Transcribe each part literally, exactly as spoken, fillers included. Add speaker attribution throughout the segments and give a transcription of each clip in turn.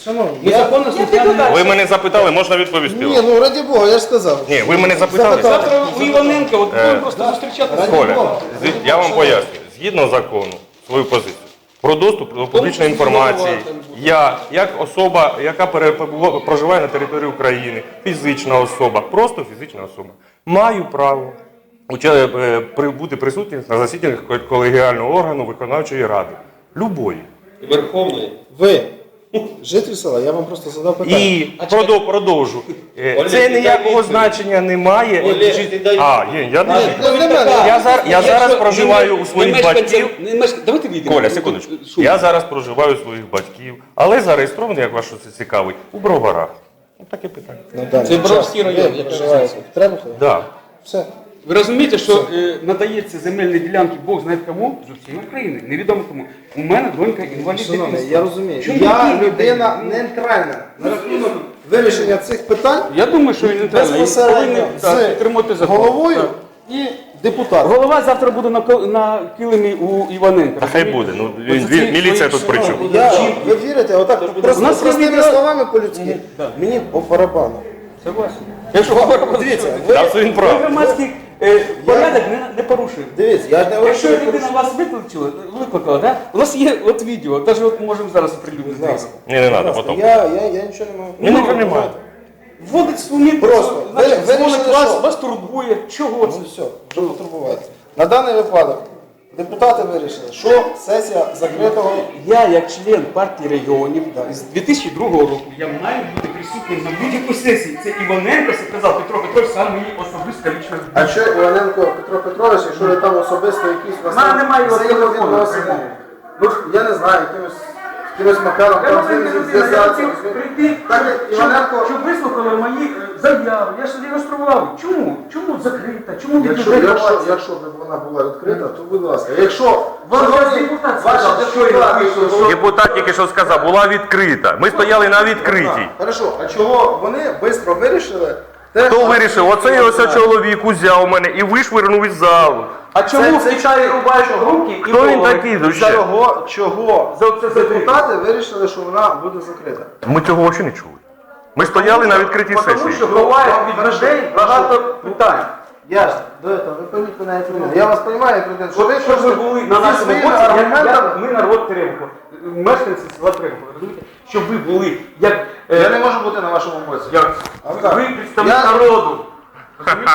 Speaker 1: Шановні,
Speaker 2: Ми
Speaker 1: я...
Speaker 2: законно слухняні.
Speaker 3: Ви мене запитали, можна відповісти
Speaker 1: Ні,
Speaker 3: вам?
Speaker 1: ну раді Бога, я ж сказав.
Speaker 3: Ні, ви мене запитали.
Speaker 1: Запитали.
Speaker 2: Завтра у Іваненка, от будемо просто зустрічатися.
Speaker 3: Коля, з- я вам поясню. Згідно закону, свою позицію. Про доступ до публічної інформації. Я, як особа, яка перебува- проживає на території України, фізична особа, просто фізична особа, маю право уча- е, при- бути присутнім на засіданнях колегіального органу виконавчої ради. Любої.
Speaker 2: Верховної.
Speaker 1: Ви, житель села, я вам просто задав питання.
Speaker 3: І продов- продовжу. Е,
Speaker 2: Олег,
Speaker 3: Це
Speaker 2: ти дай
Speaker 3: ніякого
Speaker 2: відповідь.
Speaker 3: значення не має.
Speaker 2: Олег,
Speaker 3: Чи-
Speaker 2: ти дай
Speaker 3: А, є, я
Speaker 1: Ні,
Speaker 3: не.
Speaker 1: ну, не мене.
Speaker 3: Я зараз- я зараз
Speaker 2: Якщо
Speaker 3: проживаю
Speaker 2: не
Speaker 3: у своїх
Speaker 2: не мешканцям-
Speaker 3: батьків.
Speaker 2: не мешк- Давайте вийдемо.
Speaker 3: Коля, секундочку. Я зараз проживаю у своїх батьків, але зареєстрований, як вас що це цікавить, у Броварах. Ну, таке питання.
Speaker 1: На даний
Speaker 2: Це
Speaker 1: час
Speaker 2: Бровський район,
Speaker 1: ви
Speaker 2: яка
Speaker 1: проживаєте в Требухові?
Speaker 3: Да.
Speaker 1: Все.
Speaker 2: Ви розумієте, що е, надається земельні ділянки Бог знає кому? З усієї України. Невідомо кому. У мене донька інвалід
Speaker 1: Шановний,
Speaker 2: дитинства.
Speaker 1: я розумію.
Speaker 2: Чому
Speaker 1: Я
Speaker 2: такі
Speaker 1: людина
Speaker 2: люди?
Speaker 1: нейтральна. На рахунок вирішення цих питань
Speaker 2: Я думаю, що він не
Speaker 1: безпосередньо
Speaker 2: підтримати
Speaker 1: з
Speaker 2: закон.
Speaker 1: головою
Speaker 2: Так.
Speaker 1: і депутатом.
Speaker 2: Голова завтра буде на, ко- на килимі у Іваненка.
Speaker 3: Та хай буде. Ну, він,
Speaker 2: Оце ці
Speaker 3: він, міліція
Speaker 2: свої
Speaker 3: тут при чому?
Speaker 1: Я, ви вірите, отак
Speaker 2: У
Speaker 1: просто
Speaker 2: нас є
Speaker 1: простими
Speaker 2: відео-
Speaker 1: словами по-людськи. Мені по барабану.
Speaker 2: Согласен. Якщо говоримо,
Speaker 1: Дивіться,
Speaker 3: Та
Speaker 1: ви,
Speaker 3: це він
Speaker 2: ви
Speaker 3: прав.
Speaker 2: громадський е, порядок не, не порушуємо.
Speaker 1: дивіться, я ж не говорю,
Speaker 2: Якщо
Speaker 1: що ви
Speaker 2: людина вас викликала, викликала, да? У нас є от відео, навіть от можемо зараз оприлюднити.
Speaker 1: Будь ласка.
Speaker 3: Ні, не треба,
Speaker 1: Будь ласка,
Speaker 3: потім.
Speaker 1: Я, я, я нічого не маю.
Speaker 3: Ні, нічого немає.
Speaker 2: Вводить сумнів,
Speaker 1: Просто.
Speaker 2: значить,
Speaker 1: Ви- вирішили,
Speaker 2: дзвонить вас,
Speaker 1: що?
Speaker 2: вас турбує. Чого це?
Speaker 1: Ну все, що потурбувати. На даний випадок депутати вирішили, що сесія закритого.
Speaker 2: Я, як член партії регіонів, з дві тисячі другого року, я маю бути присутнім на будь-якій сесії. Це Іваненко сказав, Петро Петрович, сам мені особисто лічно.
Speaker 1: А що Іваненко Петро Петрович, якщо ви там особисто якісь у вас
Speaker 2: Мене немає його телефону,
Speaker 1: взаємовідносини?
Speaker 2: прямого.
Speaker 1: Ну ж, я не знаю, якимось, якимось макаром
Speaker 2: Я
Speaker 1: там з
Speaker 2: можу
Speaker 1: ним
Speaker 2: людина, я
Speaker 1: зв'язатися.
Speaker 2: хотів прийти,
Speaker 1: Так як
Speaker 2: щоб,
Speaker 1: Іваненко,
Speaker 2: щоб вислухали мої е, заяви. Я ж реєстрував. Чому? Чому закрита? Чому
Speaker 1: якщо,
Speaker 2: відкрита?
Speaker 1: якщо, якщо б вона була відкрита, то будь ласка. Якщо
Speaker 2: Ваш
Speaker 1: сьогодні
Speaker 2: депутат
Speaker 1: ваші
Speaker 2: сказав, що я
Speaker 1: депутати,
Speaker 2: вийшов,
Speaker 1: що-
Speaker 3: Депутат тільки що сказав, була відкрита. Ми стояли на відкритій.
Speaker 1: Хорошо, а чого вони швидко вирішили? те,
Speaker 3: Хто
Speaker 1: що-
Speaker 3: вирішив? Оцей ось чоловік узяв мене і вишвирнув із залу.
Speaker 2: А чому
Speaker 1: Це-
Speaker 2: в Китаї рубають руки і
Speaker 3: Хто він
Speaker 2: голови?
Speaker 3: такий вообще?
Speaker 1: Чого, чого
Speaker 2: За це
Speaker 1: депутати вирішили, що вона буде закрита?
Speaker 3: Ми цього взагалі не чули. Ми стояли на відкритій
Speaker 2: Тому
Speaker 3: сесії.
Speaker 2: що ховають від
Speaker 1: Хорошо,
Speaker 2: людей
Speaker 1: хорошо.
Speaker 2: багато питань.
Speaker 1: Я ж до этого, ви пойміть мене як людину. Я вас розумію як людину, що ви
Speaker 2: Щоб ви
Speaker 1: просто
Speaker 2: були на
Speaker 1: зі
Speaker 2: нашому
Speaker 1: своїми
Speaker 2: боці, як,
Speaker 1: аргументами.
Speaker 2: як ми народ Теремко, мешканці села Теремко, розумієте? Щоб ви були, як, е,
Speaker 1: Я не можу бути на вашому боці.
Speaker 2: як
Speaker 1: А так.
Speaker 2: ви представник
Speaker 1: Я-
Speaker 2: народу. Розумієте?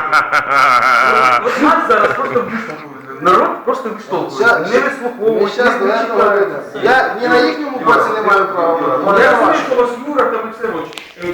Speaker 2: От нас зараз просто виштовхують. Народ просто виштовхує.
Speaker 1: Ща-
Speaker 2: Не
Speaker 1: Ми
Speaker 2: вислуховує,
Speaker 1: зараз до
Speaker 2: не
Speaker 1: этого
Speaker 2: читає.
Speaker 1: дійдемо. Я ні на їхньому боці не маю права бути. ні
Speaker 2: Я
Speaker 1: на
Speaker 2: розумію,
Speaker 1: вашому.
Speaker 2: що у вас Юра там і все. от, е,